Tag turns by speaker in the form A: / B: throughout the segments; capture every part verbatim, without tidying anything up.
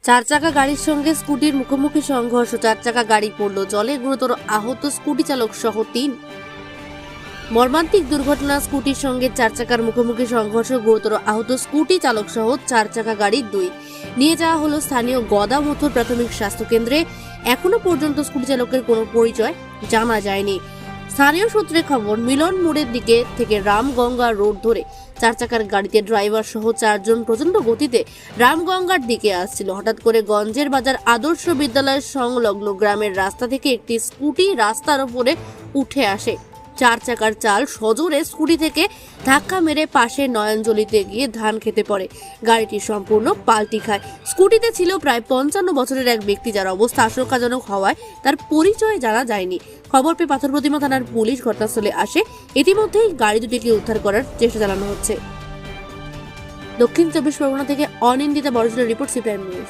A: চার চাকা গাড়ির সঙ্গে স্কুটির মুখোমুখি সংঘর্ষ। চার চাকা গাড়ি পড়ল জলে, গুরুতর আহত স্কুটি চালক সহ তিন। মর্মান্তিক দুর্ঘটনা, স্কুটির সঙ্গে চার চাকার মুখোমুখি সংঘর্ষ, গুরুতর আহত স্কুটি চালক সহ চার চাকা গাড়ির দুই। নিয়ে যাওয়া হলো স্থানীয় গদামথুর প্রাথমিক স্বাস্থ্য কেন্দ্রে। এখনো পর্যন্ত স্কুটি চালকের কোনো পরিচয় জানা যায়নি। স্থানীয় সূত্রে খবর, মিলন মোড়ের দিকে থেকে রামগঙ্গা রোড ধরে চার চাকার গাড়িতে ড্রাইভার সহ চারজন প্রচন্ড গতিতে রামগঙ্গার দিকে আসছিল। হঠাৎ করে গঞ্জের বাজার আদর্শ বিদ্যালয়ের সংলগ্ন গ্রামের রাস্তা থেকে একটি স্কুটি রাস্তার উপরে উঠে আসে। চার চাকার চাল সজোরে স্কুটি থেকে ধাক্কা মেরে পাশে নয়নজলিতে গিয়ে ধান খেতে পড়ে। গাড়িটি সম্পূর্ণ পাল্টি খায়। স্কুটিতে ছিল প্রায় পঞ্চান্ন বছরের এক ব্যক্তি, যার অবস্থা আশঙ্কাজনক হওয়ায় তার পরিচয় জানা যায়নি। খবর পেয়ে পাথর প্রতিমা থানার পুলিশ ঘটনাস্থলে আসে। ইতিমধ্যেই গাড়ি দুটিকে উদ্ধার করার চেষ্টা চালানো হচ্ছে। দক্ষিণ চব্বিশ পরগনা থেকে অনিন্দিতা বড়জোরের রিপোর্ট, সিপিআইএম নিউজ।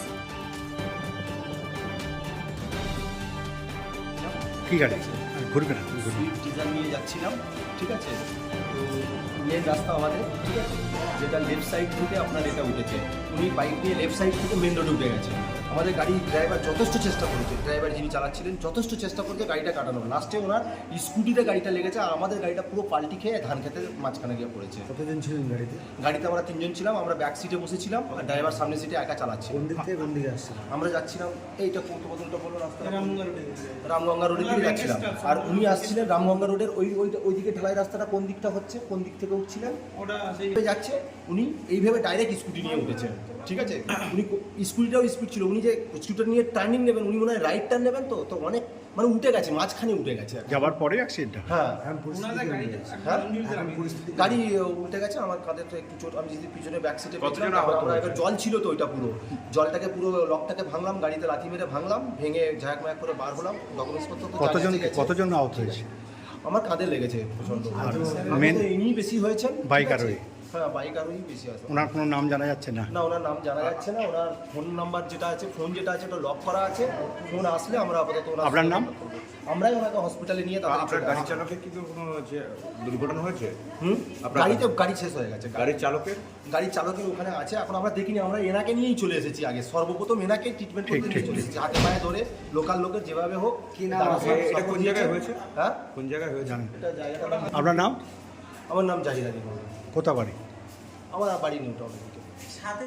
B: কি গাড়ি ঘুরবে না
C: সুইফট ডিজাইর নিয়ে যাচ্ছিলাম, ঠিক আছে। তো মেন রাস্তা আমাদের, ঠিক আছে, যেটা লেফট সাইড থেকে আপনার এটা উঠেছে। উনি বাইক নিয়ে লেফট সাইড থেকে মেন রোডে উঠে গেছে। আমাদের গাড়ি ড্রাইভার যথেষ্ট চেষ্টা করেছে, ড্রাইভার যিনি চালাচ্ছিলেন যথেষ্ট চেষ্টা করেছে গাড়িটা কাটানোর। লাস্টে ওনার স্কুটিতে গাড়িটা লেগেছে, আর আমাদের গাড়িটা পুরো পাল্টি খেয়ে ধান খেতে মাঝখানে গিয়ে পড়েছে।
B: কতজন ছিলেন গাড়িতে?
C: গাড়িতে আমরা তিনজন ছিলাম, আমরা ব্যাক সিটে বসেছিলাম আর ড্রাইভার সামনে সিটে একা চালাচ্ছে।
B: কোন দিক থেকে কোন দিকে আসছিল?
C: আমরা যাচ্ছিলাম এইটা কত বদলটা বলো রাস্তা, রামগঙ্গা রোডের দিকে যাচ্ছিলাম, আর উনি আসছিলেন রামগঙ্গা রোডের ওই ওই ওইদিকে ঢালাই রাস্তাটা কোন দিকটা হচ্ছে, কোন দিক থেকে উঠছিলেন ওটা যাচ্ছে। উনি এইভাবে ডাইরেক্ট স্কুটি নিয়ে উঠেছেন, ঠিক আছে। উনি স্কুটিটাও স্পিড ছিল, উনি যে স্কুটার নিয়ে টার্নিং নেবেন, উনি মনে হয় রাইট টার্ন নেবেন, তো তো অনেক মানে উঠে গেছে, মাঝখানে উঠে গেছে।
B: যাবার পরে অ্যাক্সিডেন্ট।
C: হ্যাঁ
B: এখন পরিস্থিতি কেমন আছে?
C: হ্যাঁ
B: এখন পরিস্থিতি
C: গাড়ি উল্টে গেছে, আমার কাঁধে তো একটু চোট। আমি যদি পিছনে ব্যাক সিটে
B: কতজন আহত
C: আমরা
B: হয়েছে?
C: এবার জল ছিল তো ওইটা পুরো জলটাকে পুরো লকটাকে ভাঙলাম, গাড়িতে লাথি মেরে ভাঙলাম, ভেঙে ঝাঁক ম্যাক করে বার হলাম। ডকুমেন্টস পত্র তো
B: কতজন
C: জায়গায় গেছে।
B: কতজন আহত হয়েছে?
C: আমার কাঁধে লেগেছে প্রচন্ড।
B: আর
C: মেন
B: main-
C: ইনি বেশি হয়েছেন,
B: বাইক
C: ঠিক আছে?
B: আরোহী?
C: হ্যাঁ বাইক আরোহী বেশি আছে।
B: ওনার কোনো নাম জানা যাচ্ছে না?
C: না ওনার নাম জানা যাচ্ছে না। ওনার ফোন নাম্বার যেটা আছে, ফোন যেটা আছে ওটা লক করা আছে। ফোন আসলে আমরা আপাতত ওনার
B: আপনার নাম?
C: আমরাই ওনাকে হসপিটালে নিয়ে তাড়াতাড়ি
D: আপনার
C: চলে
D: গাড়ি
C: আসছি।
D: চালকের কিন্তু কোনো যে দুর্ঘটনা হয়েছে?
C: হুম
D: আপনার-
C: গাড়িতে গাড়ি শেষ হয়ে গেছে।
D: গাড়ির চালকের
C: গাড়ির চালকের ওখানে আছে, এখন আমরা দেখিনি। আমরা এনাকে নিয়েই চলে এসেছি আগে, সর্বপ্রথম এনাকে ট্রিটমেন্ট করতে নিয়ে চলে এসেছি, হাতে পায়ে ধরে লোকাল লোকের যেভাবে হোক।
D: কি নাম
C: তারা
D: আছে?
C: সব-
D: এটা
C: সব
D: কোন
C: দিয়েছে।
D: জায়গায় হয়েছে?
C: হ্যাঁ
D: কোন জায়গায় হয়েছে?
B: জানেন?
C: এটা জায়গাটার নাম,
B: আপনার নাম?
C: আমার নাম জাহিদ আলী।
B: কোথা বাড়ি?
C: আমার বাড়ি নিউ টাউন।